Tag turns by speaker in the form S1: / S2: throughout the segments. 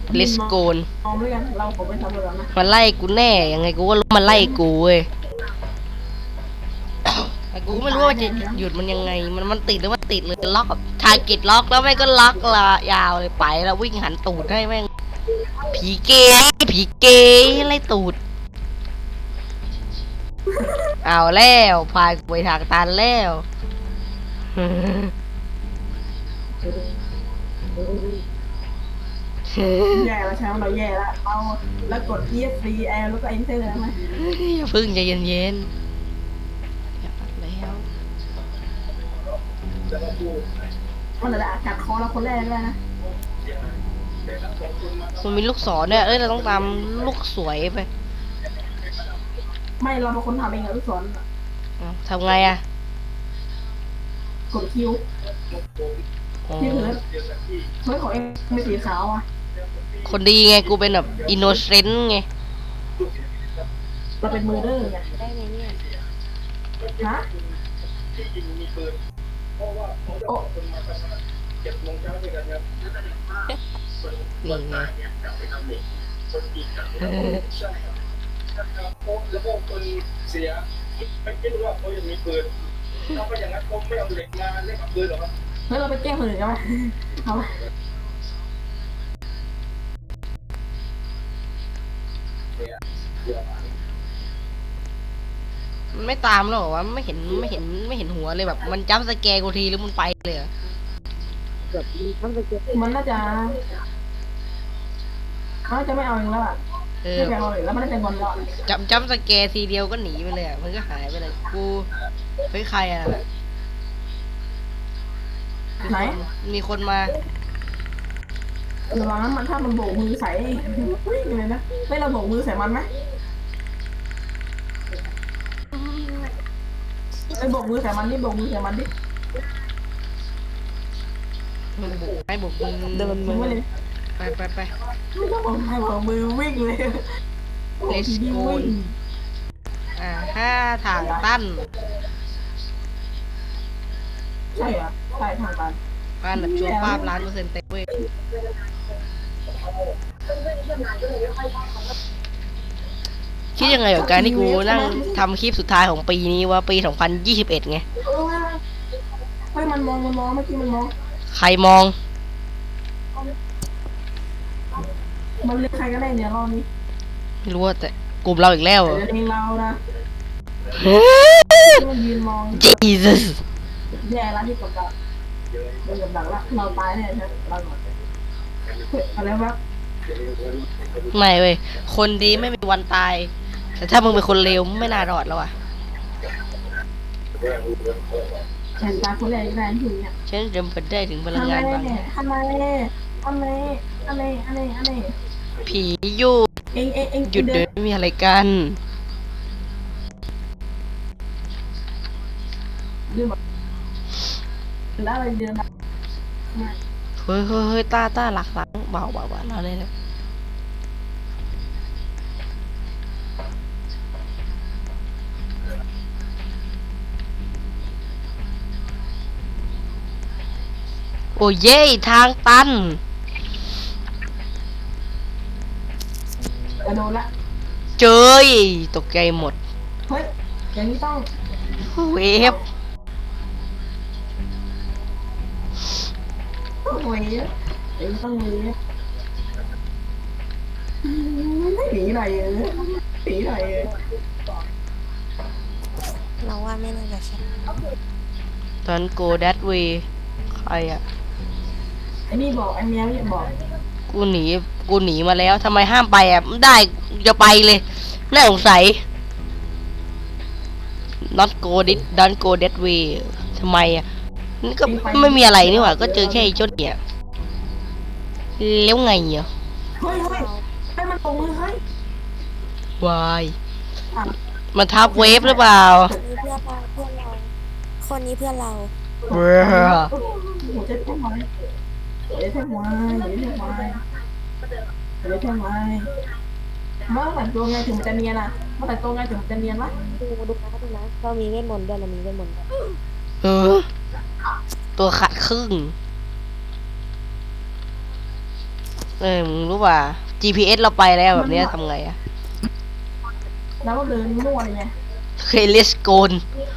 S1: เลสโกน
S2: มองด้วยกันเราผมไปทำแบบนั้น
S1: มันไล่กูแน่ยังไงกูก็รู้มันไล่กูเว้ยแต่กูก็ไม่รู้ว่าจะหยุดมันยังไงมันติดหรือว่าติดเลยล็อกทาร์เก็ตล็อกแล้วแม่งก็ล็อกละยาวเลยไปแล้ววิ่งหันตูดให้แม่งผีเกย์ผีเกย์ไล่ตูดเอาแล้วพายกูไปทางตันแล้ว
S2: แย่แล้วใช่ไหมเราแย่แล้วเราแล้วกด ESC L แล้วก็ Enter ได้ไหม
S1: อย่าพึ่งใจเย็นๆอย่าปัดแล้ว
S2: มันจะกัดคอเราคนแรกเลยนะ
S1: มันมีลูกศรเนี่ยเราต้องตามลูกสวยไป
S2: ไม่เราเป็นคนทำเองอะลูกศร
S1: ทำไงอะ
S2: กดคิวที่ถือเฮ้ยของเองเป็นสีขาวอ่ะ
S1: คนดีไงกูเป็นแบบอินโนเซนต์ไง
S2: เราเป็นมือเด้อไง
S3: ได้ไหมเนี่ย
S2: ฮะโอ้
S1: นี่ไง
S4: แล้วก็คนเสียไม่รู้ว่าเขายังมีปืนถ้าไม่อย่างนั้นเขาไม่เอาเหล็กมาเล่นกับปืนหรอครับ
S2: แล้วเราไปแก้คนอื่นกันไหมเอาไหม
S1: มันไม่ตามหรอวะไม่เห็นหัวเลยแบบมันจับสแกร์กูทีหรือมันไปเลย
S2: มันน่าจะไม่เอาเองแล้วอ่ะไม่ไปเอาเลยแล้วมันได้เป็นบอลแล้ว
S1: จับสแกร์ทีเดียวก็หนีไปเลยมันก็หายไปเลยกูเฮ้ยใครอะ
S2: ไหน
S1: มีคนมา
S2: ระวังนั้นมันถ้ามันโบกมือใส่วิ่งเลยนะไม่เราโบกมือใส่มันไหมไอ้โบกมือใส่มันดิโบกมือใส่มันดิ
S1: ให้บุก
S2: เดินมือเลย
S1: ไป
S2: ไม่ต้องบอกให้บอกมือวิ่งเลย
S1: เลสโกน5 ทางตั้น
S2: ใช่เหรอใช่ทางตัน
S1: บ้านแบบชัวร์ป้าบ1,000,000%เต็มเว้ยคิดยังไงกับการที่กูนั่งทำคลิปสุดท้ายของปีนี้ว่าปี 2021 ไง
S2: เฮ้ยมันมองเมื่อกี้มันมอง
S1: ใครมอง
S2: มันเรียกใครก็ได้เนี่ยรอบนี้
S1: ไม่รู้แต่กลุ่มเราอีกแล้ว
S2: เองเรานะมันยืนมอง
S1: Jesus
S2: แย่แล้วที่กดดันโดนกับดักละเราตายแน่ใช่เราอะไรวะ
S1: ไม่เว้ยคนดีไม่มีวันตายแต่ถ้ามึงเป็นคนเลวไม่น่ารอดแล้วอ่ะ
S2: เห็นตาคนแรกได้ถึงเนี่ย
S1: ฉันจำเป็นได้ถึงพลังงานบาง
S2: ทำไม
S1: ผีอยู่หยุดเดินไม่มีอะไรกัน
S2: แล้วอะไรเดิน
S1: เฮ้ยต้าหลักเบาเราเลยนะโอ้เย่ทางตัน
S2: โดนละ
S1: เจยตกใจหมด
S2: เฮ้ยอย่างนี้ต้อง
S1: เวฟ
S2: ต้องมีหนีหน่อย
S3: เราว่าไม่น่าจะใช่
S1: ตอนโกดัตวีใครอะ
S2: ไอ้นี่บอกไอ้เมียไม่บอก
S1: กูหนีมาแล้วทำไมห้ามไปอ่ะได้จะไปเลยน่าสงสัย not go this don't go that way ทำไมอ่ะนี่ก็ไม่มีอะไรนี่หว่าก็เจอแค่ไอ้ชดเนี่ยแล้วไงอ่ะ
S2: เฮ้ยให้มันตรงเลยเฮ้ยว
S1: ายมันทับเวฟหรือเปล่า
S3: คนนี้เพื่อนเรา
S1: เบ้อ
S2: หัวใจพุ่งมาเดี๋ยวแท่งไม้ว่าแต่ตัวไงถึงจะเนียนอ่ะว่าแต่ตัวไงถึงจะเนียนวะ
S3: ดูนะเรามีเวทมนต์ด้วยเรามีเวทมนต์ด้วย
S1: ตัวขาดครึ่งมึงรู้ป่ะ GPS เราไปแล้วแบบเนี้ยทำไงอะ
S2: แล้วก็เดินมั่วเลยไง
S1: เคยเลสโกน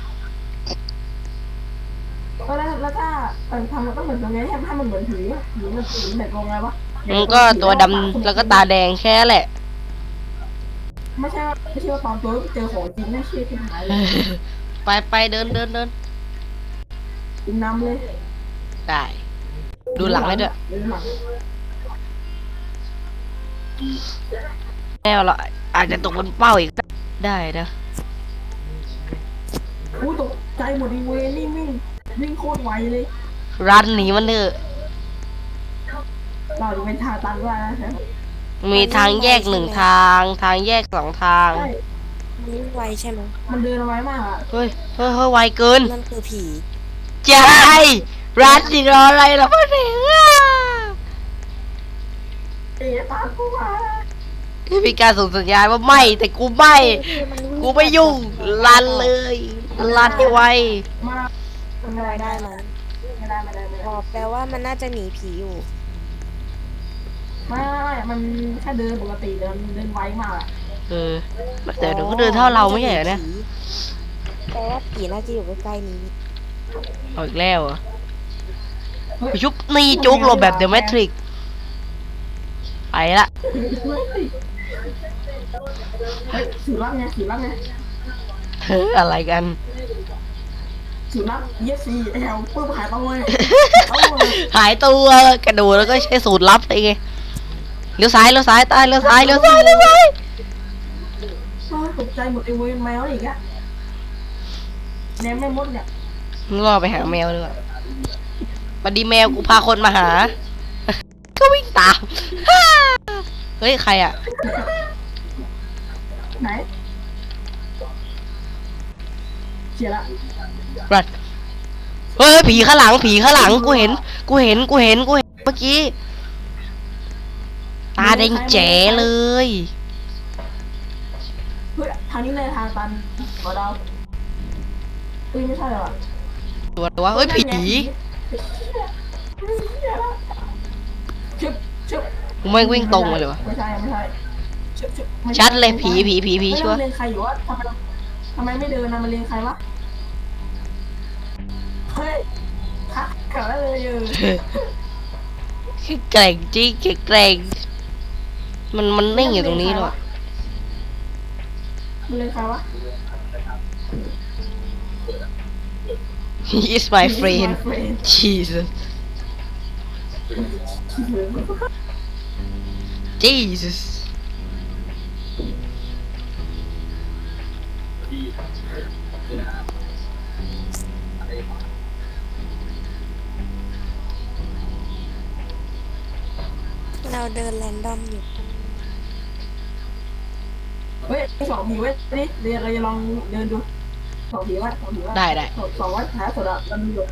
S2: แล้วถ้าทำมันต้องเหมือนยังไงให้มันเหมือนผีมันผีแบบงงไงวะ
S1: มันก็ตัวดำแล้วก็ตาแดงแค่นั้นแหละ
S2: ไม่ใช่ว่าตอนตัวเจอของจริงน่าเชื่อที่หายเลย
S1: ไปเดิน
S2: กินน้ำเลย
S1: ได้ ดูหลังให้ด้วย
S2: ดูหลัง
S1: แน่เราอาจจะตกบนเป้าอีกได้นะ
S2: อู้ตกใจหมดอีเวนี่วิ่งโคตรไวเลย
S1: รันหนีมันเถอะ
S2: เราจะเป็นทางตันด้วยนะ
S1: มีทางแยกหนึ่งทาง ทางแยกสองทาง
S2: ใช่
S3: มันวิ่งไวใช่ไหม
S2: มันเดินไวมากอ่ะ
S1: เฮ้ยไวเกิน
S3: นั่นคือผี
S1: ใจรันสิรออะไรล่ะพ่อเสียงอ่ะ
S2: ตามกูมา
S1: มีการส่งสัญญาณว่าไม่ แต่กูไม่ กูไม่ยุ่ง รันเลย รันให้ไว
S2: มามันอะไร
S3: ได้
S2: ได้
S3: ไหม
S2: ไม่ได้
S3: อ๋อแปลว่ามันน่าจะหนีผีอยู่
S2: ไม่มันแค่เดินปกติเดินไวมากอ่ะ
S1: แต่เดี๋ยวก็เดินเท่าเราไม่ใช่เหรอเนี่ย
S3: แปลว่าผีน่าจะอยู่ใกล้ๆนี้
S1: เอาอีกแล้วเหรอไปชุบนี่จุกหลบแบบเดอะแมทริกไปละ
S2: เฮ้ยสูรับไง
S1: อะไรกัน
S2: สูรับเยสซีแอลปุ๊บหายไปเลย
S1: หายตัวกระโดดแล้วก็ใช้สูตรลับไปไงเลี้ยวซ้ายตายเลี้ยวซ้าย
S2: ตกใจหมดไอเวนแมวอีกอะแนมแม่มดเนี่ย
S1: มึงรอไปหาแมวดีกว่าบัดดีแมวกูพาคนมาหา ก็วิ่งตาม เฮ้ยใครอ่ะ
S2: ไหนเสียละ
S1: รัดเฮ้ยผีข้างหลังกูเห็นเมื่อกี้ตาแดงแจ๋เลย
S2: เฮ้ยทางนี้เลยทางตันขอเดาเฮ้ยไม่ใช่หรอ
S1: ตัวเฮ้ยผี
S2: ชึบ
S1: กูไม่วิ่งตรงมาเลยวะ
S2: ไม่ใช่
S1: ชัดเลยผีชัวร์
S2: เรียนใครอยู่วะทำไมไม่เดินนะมันเรียนใครวะเฮ้ยคักเกิดเลย
S1: แกร่งจริงแกร่งมันนิ่งอยู่ตรงนี้หรอ
S2: มันเรียนใครวะ
S1: He is my friend Jesus Jesus
S3: เราเดินแรนดอมอยู่
S2: เฮ้ยสองผีเว้ยนี่เดี๋ยวเราจะลองเดินดูสองผีวะ
S1: ได้
S2: สองวัดหาสุดอะมันอยู่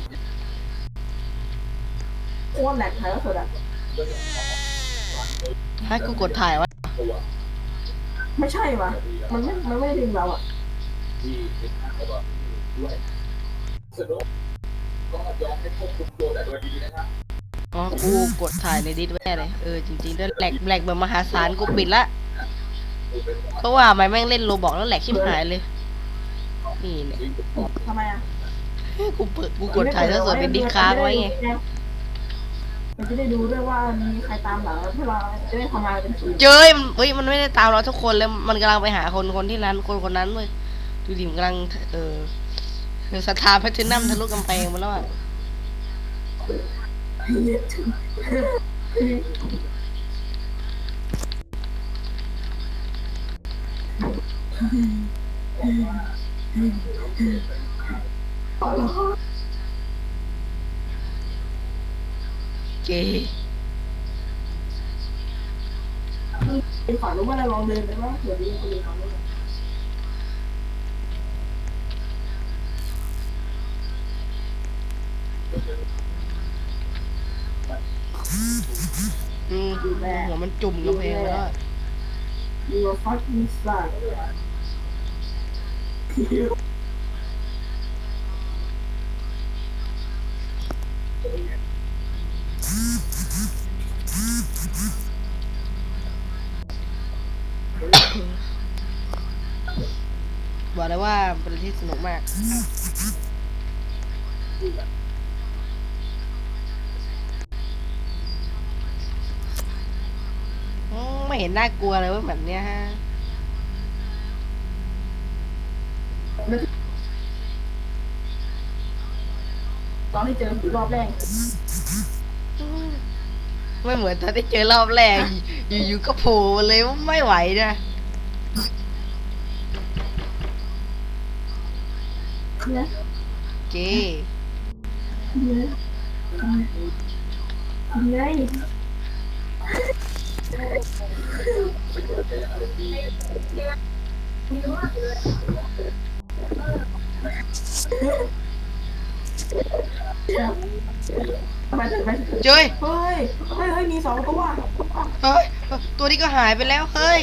S2: โคตรแหลกหาสุดอะ
S1: ให้กูกดถ่ายวะ
S2: ไม่ใช่วะมันไม่ได้ดึงเราอะ
S1: อ๋อกูกดถ่ายในดิสแม่เลยจริงๆด้วยแหลกแบบมหาศาลกูปิดละเพราะว่าไม่แม่งเล่นโรบอกแล้วแหลกชิบหายเลยนี่เนี่ย
S2: ทำไมอะ
S1: กูกดถ่ายแล้วส่วนในดิสค้างไว้ไง
S2: มันจะได้ดูด้วยว่ามีใครตามหลังแล้วพวกเราจะได้ทำงานเป็นทีม
S1: เจ้ยมันไม่ได้ตามเราทุกคนเลยมันกำลังไปหาคนที่นั้นคนนั้นเลยดูดิมันกำลังสถาแพทเทิร์นัมทะลุกำแพงมาแล้วอ่ะเจ
S2: เป็นฝันรู้ว่าเราลองเดินไปว่าเผื่อดีคนอื่นเขาด้วย
S1: หัวมันจุ่มกำแพงไปแล้ว
S2: You are fucking suck
S1: เบอกเลยว่าเป็นที่สนุกมากไม่เห็นน่ากลัวเลยว่าแบบเนี้ยฮะ
S2: ตอนที่เจอผีรอบแรก
S1: ไม่เหมือนตอนที่เจอรอบแรก อยู่ๆก็โผล่มาเลยว่าไม่ไหวนะ
S2: เนี่ย
S1: เก
S2: เนี่ยไง ไปเถอะไปเถอะ
S1: เจ้ย
S2: เฮ้ยมีสองตัว
S1: เฮ้ยตัวนี้ก็หายไปแล้วเฮ้ย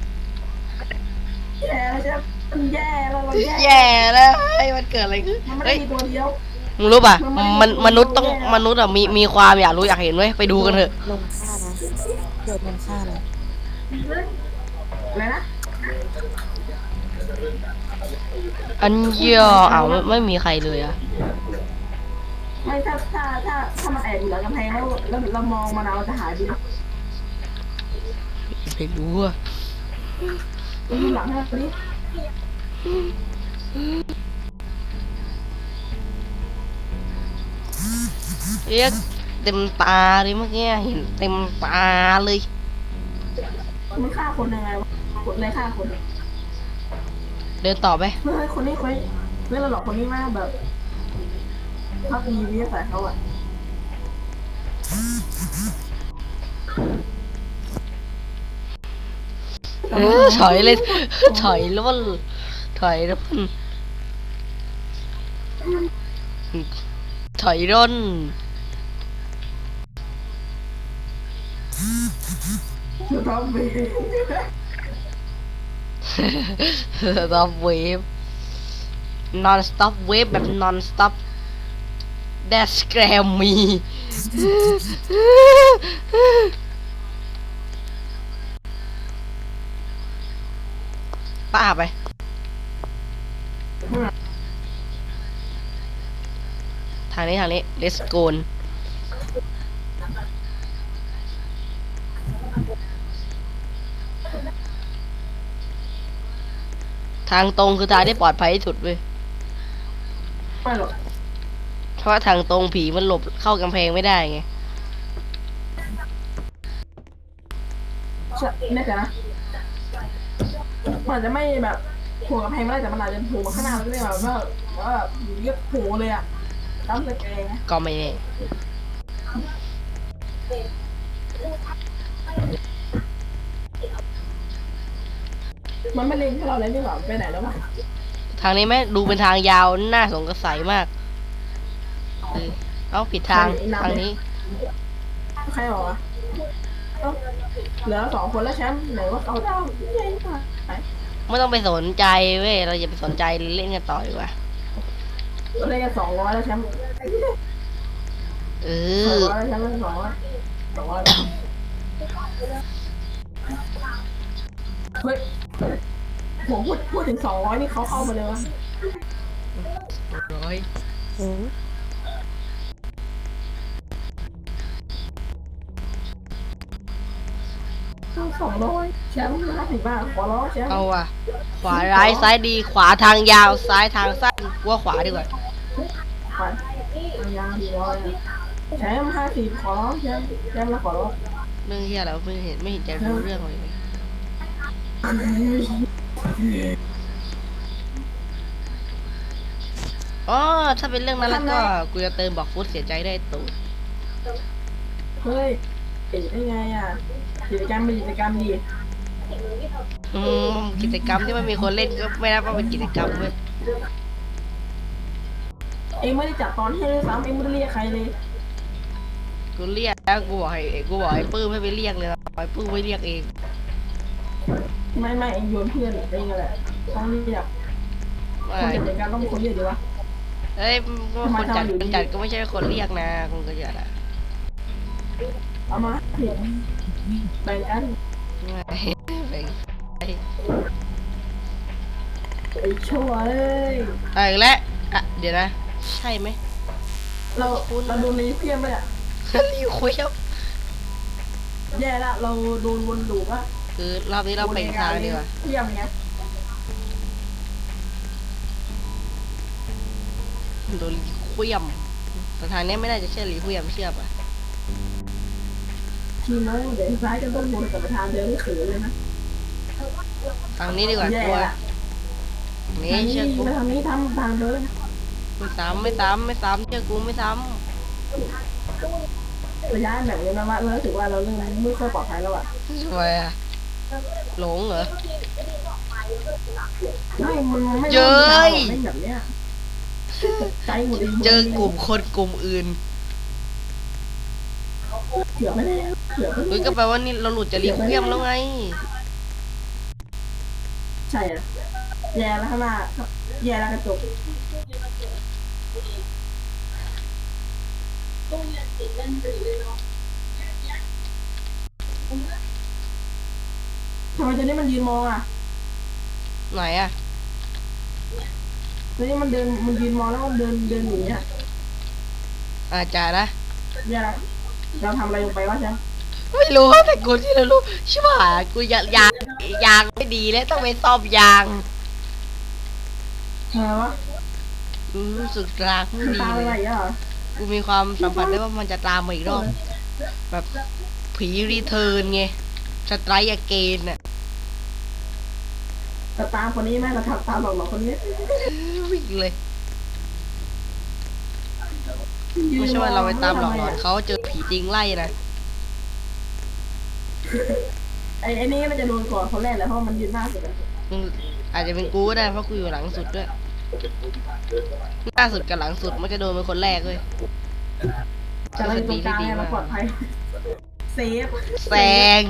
S2: แย่แล้วใช่ไหมมันแย่แล้วเราแย่
S1: แย่แล้วเฮ้ยมันเกิดอะไรขึ้น
S2: มันไม่
S1: เฮ้
S2: ได้
S1: ย
S2: มีตัวเดียว
S1: มึงรู้ป่ะมนุษย์ต้องมนุษย์อะมีความอยากรู้อยากเห็นเว้ยไปดูกันเถอะ
S3: ลงฆ่านะเกิดมันฆ่านะ
S2: อะไรนะ
S1: อันเยี่ยอ้าวไม่มีใครเลยอะ
S2: ไม่ถ้ามันแอบอยู่หลังกำแพงแล้วเรามองมันเราจะหายไปเลย
S1: ไม่รู้อะ
S2: ดูหลังให้ดิ
S1: เอ๊ะเต็มตาเลยเมื่อกี้เห็นเต็มตาเลย
S2: มันฆ่าคนยังไงวะคนอะไรฆ่าคน
S1: เดินต่อไป
S2: เฮ้ยคนนี้เรื่องเราหลอกคนนี้มากแบบพักมีวิทยาศาสตร์เขาอะ
S1: ถอยเลย ถอยล้นถอยล้นถอยร่น
S2: ท็อปวี
S1: stop wave non stop wave แบบ non stop that scare me ป้าไป ทางนี้ let's go ทางตรงคือทางที่ปลอดภัยที่สุดเว้ย
S2: ไม่หรอก
S1: เพราะว่าทางตรงผีมันหลบเข้ากำแพงไม่ได้ไง
S2: แน่ใจนะมันอาจจะไม่แบบโผล่กำแพงไม่ได้แต่มันอาจจะโผล่มาข้างหน้าก็ได้แบบว่าอยู่เรียกโผล่เลยอะตั้มสแกนนะ
S1: ก็ไม่แน่
S2: มันไม่เล็งให้เราเลยนี่หว่าไปไหนแล้ววะ
S1: ทางนี้ไหมดูเป็นทางยาวน่าสงสัยมากเอ้าผิดทางทางนี้
S2: ใครบอกวะเอ้าเหลือ2 คนแล้วแชมป์ไหนว่าเขาเจ้าเย้ไหน
S1: ไม่ต้องไปสนใจเว้ยเราอย่าไปสนใจเล่นกันต่อดีกว่า
S2: เราได้กัน200แล้วแชมป์
S1: เอ
S2: 200
S1: อ
S2: แล้วแชมป์200เฮ้ยผมพูดถึง200นี่เขาเข้ามาเลยวะ
S1: ร้อย
S3: หืม
S2: 200แชมป์50 บาทขอร้องแชมป์
S1: เอาอ่ะ ขวาร้ายซ้ายดีขวาทางยาวซ้ายทางสั้นกูว่าขวาดีกว่า
S2: ไปยาง400แชมป์50ขอร้องแชมป์แล้วขอร้อง
S1: เรื่องที่อะไรวะไม่เห็นจะรู้เรื่องเลยอ๋อถ้าเป็นเรื่องนั้นแล้วก็กูจะเติมบอกฟุตเสียใจได้ตูด
S2: เฮ้ยติดได้ไงอ่ะกิจกรรมเป็นกิจกรรมดี
S1: กิจกรรมที่ไม่มีคนเล่นก็ไม่นับว่าเป็นกิจกรรมเว้ย
S2: เองไม่ได้จัดตอนให้ด้วยซ้ำเองไม่ได้เรียกใครเลย
S1: กูเรียกแล้วกูบอกให้ปื้มให้ไปเรียกเลยไอ้ปื้มไม่เรียกเอง
S2: ไม่เองโยนเพื่อนเองแหละต้องเรียกคนจัดกิจกรรมต้องเป็นคนเรียกดีวะ
S1: เอ้ยก็คนจัดก็ไม่ใช่คนเรียกนะคนก็จัดอะ
S2: เอามาเห็นแบ่งกัน
S1: ไม่ไป
S2: ไอ้ชั่วเอ้ย
S1: อีกแล้วอ่ะเดี๋ยวนะ ใช่ไหม
S2: เราโดนรีเพี้ยนไปอ่ะ
S1: รีคุยครับ
S2: แย่ละเราโดนวนลูปอ่ะ
S1: คือรอบนี้เราไปอีกทางดีกว่า
S2: เพี้ยนไง
S1: โดนรีคุยมแต่ทางนี้ไม่น่าจะใช่รีคุยมเชื่อป่ะ
S2: ทีโม่เดี๋ยวซ้ายจะต้องวนกลับไปทางเดิมเขือเลยนะ
S1: ทางนี้ดีกว่า
S2: แย่
S1: กลัว
S2: ละ
S1: นี่
S2: ทางนี้
S1: เชื่อกู
S2: ไปทางนี้ทำทางเดิน
S1: ไม่ซ้ำเชื่อกูไม่ซ้
S2: ระยะแบบนี้นะว่าเราถือว่าเราเริ่มไม่ค่อยปลอดภัยแล้วอ่ะ
S1: ำทำไมอะหลงเหรอ
S2: ไม่มันไม่
S1: เย้ย
S2: ไม่แบบเนี้ยใจหมด
S1: เจอกลุ่มคนกลุ่มอื่น
S2: เกือบไม่ได้เกือบไม่
S1: เฮ้ย
S2: ได้
S1: ก็แปลว่านี่เราหลุดจากรีคุยมแล้วไง
S2: ใช่อะแย่แล้วข้างหน้าแย่แล้วกระจกทำไมตัวนี้มันยืนมองอ่ะ
S1: ไหนอะ
S2: ตัวนี้มันยืนมองแล้วมันเดินหนีอ่ะ
S1: อาจจะนะ
S2: แย่แล้วเราทำอะไรลงไปวะใช่
S1: ไม่รู้แต่กูที่เรารู้ใช่ป่ะกูยางไม่ดีแล้วต้องไปซ่อมยาง
S2: อะไรวะ
S1: รู้สึกรางไม่ดี
S2: ตา
S1: เล
S2: อะไร
S1: ย
S2: อ่ะ
S1: กูมีความสัมผัสได้ว่ามันจะตามมาอีกรอบ แบบผีรีเทิร์นไงสไตร์อเกนน่ะ
S2: แต่ตามคนนี้ไหมเราทำตามหลอกคนนี้
S1: วิ่งเลย ไม่ใช่ว่าเราไปตามหลอกหลอนเขาเจอผีจริงไล่นะ
S2: ไอ้นี่มันจะโดนก่อนคนแรกแหละเพราะมันยืนหน้าสุดอะ
S1: มึงอาจจะเป็นกูก็ได้เพราะกูอยู่หลังสุดด้วยหน้าสุดกับหลังสุดมันจะโดนเป็นคนแรกเลย
S2: แต่เราอยู่ตรงกลางไงเราปลอดภัยเซฟ
S1: แซง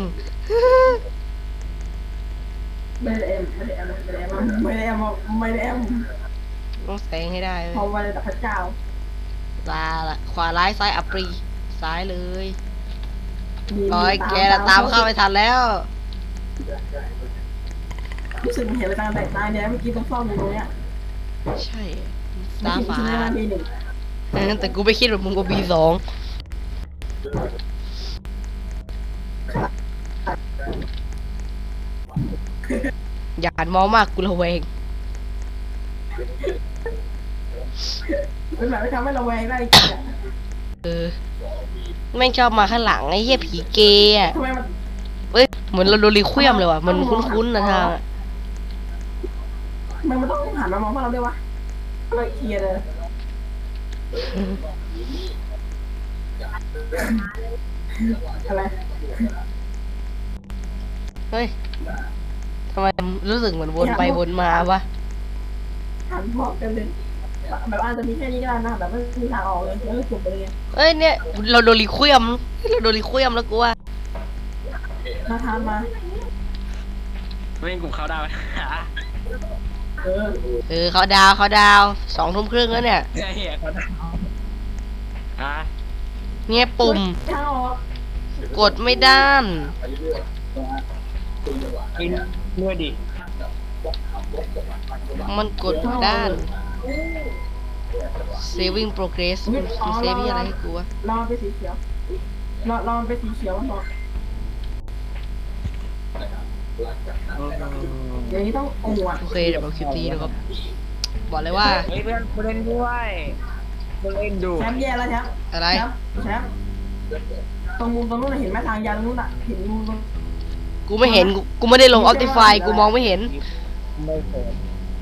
S2: ไม่ได้แอมไม่ได้แอมไม่ได้แอมไม่ได้แอมไม่ได้แอม
S1: ต้องแซงให้ได้เลย
S2: พอวันแต่พระเจ้า
S1: ตาละขวาร้ายซ้ายอัปรีซ้ายเลย
S2: มี
S1: ร้อยแกละตามเข้าไปทันแล้ว
S2: รู้สึกเห็นไปตามแต่ตาเนี่ยเมื่อกี้ต้องซ่อมอยู่ตรงเนี้ย
S1: ใช่
S2: ไม่
S1: ตา
S2: คิด
S1: ฝา
S2: ใช่ไหมว่าทีหนึ่ง
S1: แต่กูไม่คิดว่ามึงก็บีสอง อย่าหันมองมากกูระแวง
S2: เป็นแบบไม่ทำให้เราแวงได้จริงอะ
S1: แม่งชอบมาข้างหลังไอ้เหี้ยผีเกย์อ่ะ
S2: ทำไมมัน
S1: เอ้ยเหมือนเราโดนรีเควียมเลยว่ะมันคุ้นๆนะทางอะ
S2: มันต้องหันมามองพวกเราด้วยวะเราเคลียร์เลยอะไร
S1: เฮ้ยทำไมรู้สึกเหมือนวนไปวนมาวะ
S2: หันมองกันเลยแบบอาจจะมีแค่นี้ก็ได้นะแบบไม่มีทางออกเลยแล้วก็จบไปเลย
S1: เอ้ยเนี่ยเราโดนรีเควียมเราโดนรีเควียมแล้วกูว่า
S2: มาทานมา
S5: ไม่เป็นกลุ่มเขาได้ไหม
S2: เออ
S1: เขาดาว2 ทุ่มครึ่งแล้วเนี่ย
S5: ไอ้เหี้ยเขาได้ฮะ
S1: เนี่ยปุ่ม
S2: ทางออก
S1: กดไม่ด้าน
S5: กินด้วยดิ
S1: มันกดไม่ด้าน saving progress มันเซฟอะไรให้กูวะ
S2: รอไปสีเขียวรอไปสีเขียวมันบอกอย่างนี้ต้องอวด
S1: โอเคเดี๋ยวเราคลิปนี้นะครับ บอกเลยว่า
S5: เฮ้ยเพื่อนกูเล่นด้วยกูเล่นดู
S2: แชมป์แย่แล้วแชมป์
S1: อะไร
S2: แชมป์ตรงมุมตรงนู้นเห็นไหมทางยานนู้นอ่ะเห็นมุมตรง
S1: กูไม่เห็น กูไม่ได้ลง Optify กูมองไม่เห็น
S5: ไม่เคย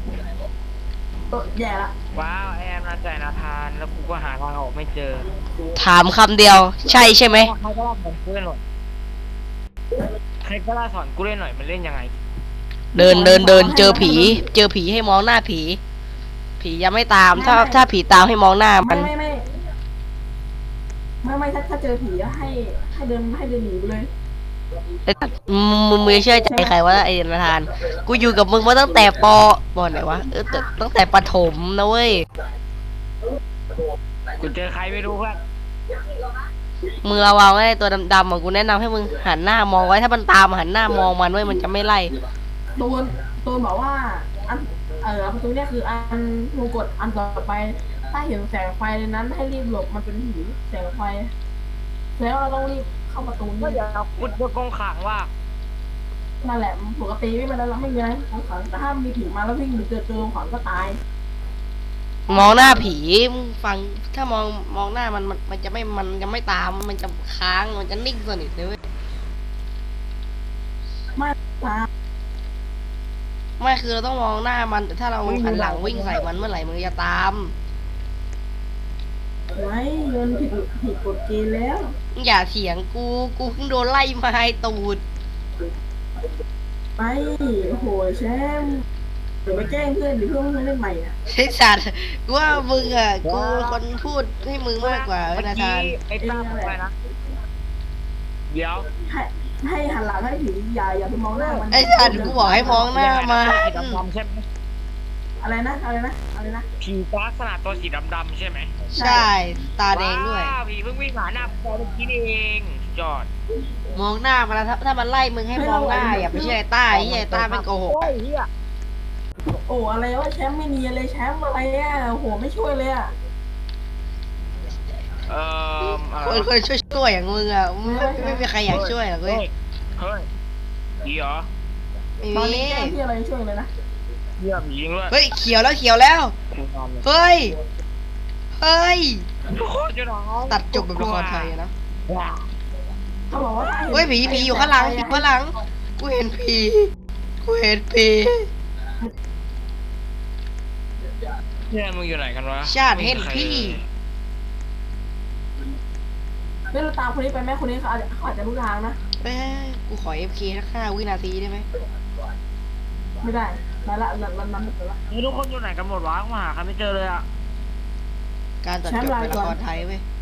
S2: แย่ละ
S5: ว้าวแอมนาใจนาธานแล้วกูก็หาทางออกไม่เจอ
S1: ถามคำเดียว ใช่ใช่ไหม
S5: ใครก็ล่าสอนกูเล่นหน่อยใครก็ล่าสอนกูเล่นหน่อยมันเล่นยังไง
S1: เดินเจอผีให้มองหน้าผี ผียังไม่ตาม ถ้าผีตามให้มองหน้ามัน
S2: ไม่ถ้าเจอผีให้เดินหนีไปเลย
S1: ไอ้สัตว์มึงเชื่อใจใครวะไอ้นาธาน กูอยู่กับมึงมาตั้งแต่ปไหนวะตั้งแต่ประถมนะเว้ย
S5: กูเจอใครไม่รู้เพื่อน
S1: มึงระวังไอ้ตัวดำๆอ่ะกูแนะนำให้มึงหันหน้ามองไว้ถ้ามันตามหันหน้ามองมันไว้มันจะไม่ไล่
S2: ตูนบอกว่าประตูเนี่ยคืออันมูกดอันต่อไป ถ้าเห็นแสงไฟในนั้นให้รีบหลบมันเป็นผีแสงไฟ แล้วเราต้องรีบเข้าประตู
S5: ก็
S2: นี่
S5: เดี๋ยวกูจะกองขังว่า
S2: นั่นแหละปกติไม่เป็นไรเราไม่มีอะไรของขังแต่ถ้ามีผีมาแล้ววิ่งหรือเจอของขังก็ตาย
S1: มองหน้าผีมึงฟังถ้ามองหน้ามันจะไม่ตามมันจะค้างมันจะนิ่งสนิทเลยเว้ย
S2: ไม่ตาม
S1: ไม่คือเราต้องมองหน้ามันแต่ถ้าเราหันหลังวิ่งใส่มันเมื่อไหร่มันจะตาม
S2: ไม่เงินผิดกฎเกณฑ์แล้ว
S1: มึงอย่าเถียงกูเพิ่งโดนไล่มาให้ตูด
S2: ไม่โอ้โหแชมป์เดี๋ยวไปแกล้งเพื่อนหรือเพื่อนเล่นใหม่อ่ะ
S1: ไอ้สัตว์กูว่ามึงอ่ะกูคนพูดให้มึงมากกว่า
S5: เมื่อ
S1: นา
S5: กี้
S1: ธาน
S5: ไอ้ตั้มอะไรนะเดี๋ยว
S2: ให้หันหลังให้ผีอย่าไปมองหน้ามัน
S1: ไอ้สัตว์กูบอกให้มองหน้ามา
S5: สีดำๆใช่ไหม
S2: อะไรนะ
S5: ผีลักษณะตัวสีดำๆใช่ไหม
S1: ใช่ตาแดงด้วย
S5: ว้าวผีเพิ่งวิ่งผ่านหน้าพอเมื่อกี้นี่เองสุดยอด
S1: มองหน้ามันแล้วถ้ามันไล่มึงให้มองหน้าอย่าไปเชื่อไอ้ต้าไอ้ต้าไม่โกหก
S5: โอ้ยเฮีย
S2: โอ้อะไรวะแชมป์ไม่มีอะไรแชมป์อะไรอ่ะโอ้โหไม่ช่วยเลยอ่ะ
S1: คนช่วยอย่างมึงอ่ะไม่มีใครอยากช่วยหรอกเว้ย
S5: เฮ้ยผีเหรอ
S1: ไม่
S2: ตอน
S1: มี
S2: นี้แกล้งที่อะไรช่วยเลยนะ
S5: เฮียผีจริงด้วย
S1: เฮ้ยเขียวแล้วเฮ้ย
S5: โคตรจะร้อง
S1: ตัดจบแบบละครไทยอะนะ
S2: เขาบอกว่าถ้า
S1: เฮ้ยผีอยู่ข้างหลังกูเห็นผี
S5: เนี่ยมึงอยู่ไหนกันวะ
S1: ชาติเห็นพี่
S2: เฮ้ยเราตามคนนี้ไปไหมคนนี้เขาอาจจะรู้ทางนะ
S1: เอ้ยกูขอ FK สัก5 วินาทีได้ไหม
S2: ไม่ได้มาละนั้นละ
S5: นี่ทุกคนอยู่ไหนกันหมดวะมาหาใครไม่เจอเลยอ่ะ
S1: การตัดจบเป็นละครไทยเว้ย